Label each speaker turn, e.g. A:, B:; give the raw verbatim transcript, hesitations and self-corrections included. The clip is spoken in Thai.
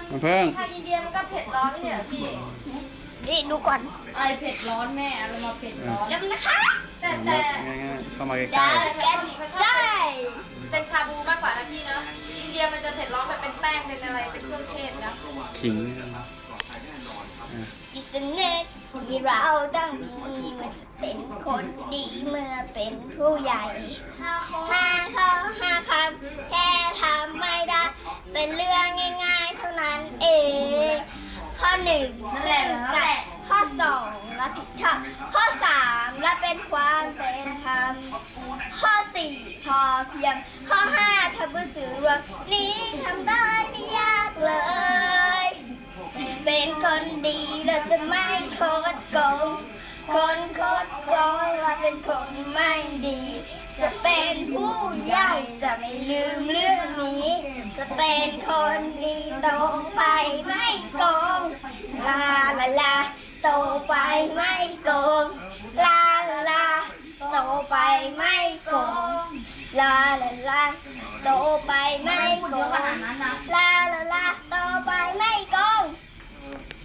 A: น้ำผึ้ง
B: ถ้าอินเดียมันก็เผ็ดร้อนไม่ใช่เหรอพี่
C: นี่ดูก่อน
B: อะไรเผ็ดร้อนแม่อะไรมาเผ็ดร้อน
C: แล้วนะคะ
B: แต่แต่
A: ง่ายๆเข้ามาใก
C: ได้
A: ล้
B: แต่เกาหลีเขาชอบ
C: ได้
B: เป็นชาบูมากกว่านะพี่นะอินเดียมันจะเผ็ดร้อนแบบเป็นแป้งเป็นอะไรเป็นเครื่องเทศนะ
A: ๆขิงอ่ะ
C: กิสเนตที่เราต้องมีเมื่อจะเป็นคนดีเมื่อเป็นผู้ใหญ่ห้าข้อห้าคำแค่ทำไม่ได้ เป็นเรื่องง่ายๆเท่านั้นเอง ข้อหนึ่งซื่อสัตย์ข้อสองรับผิดชอบข้อสามรับเป็นความเป็นธรรมข้อสี่พอเพียงข้อห้าทำบุญสื่อรวมนี้ทำได้ไม่ยากเลย เป็นคนดีเราจะไม่โคดโกงคนโคดโกงเราเป็นคนไม่ดี จะเป็นผู้ใหญ่จะไม่ลืมเรื่องนี้ จะเป็นคนดีโตไปไม่โกงลาลาลาโตไปไม่โกงลาลาลาโตไปไม่โกงลาลาลาโตไปไม่โกงลา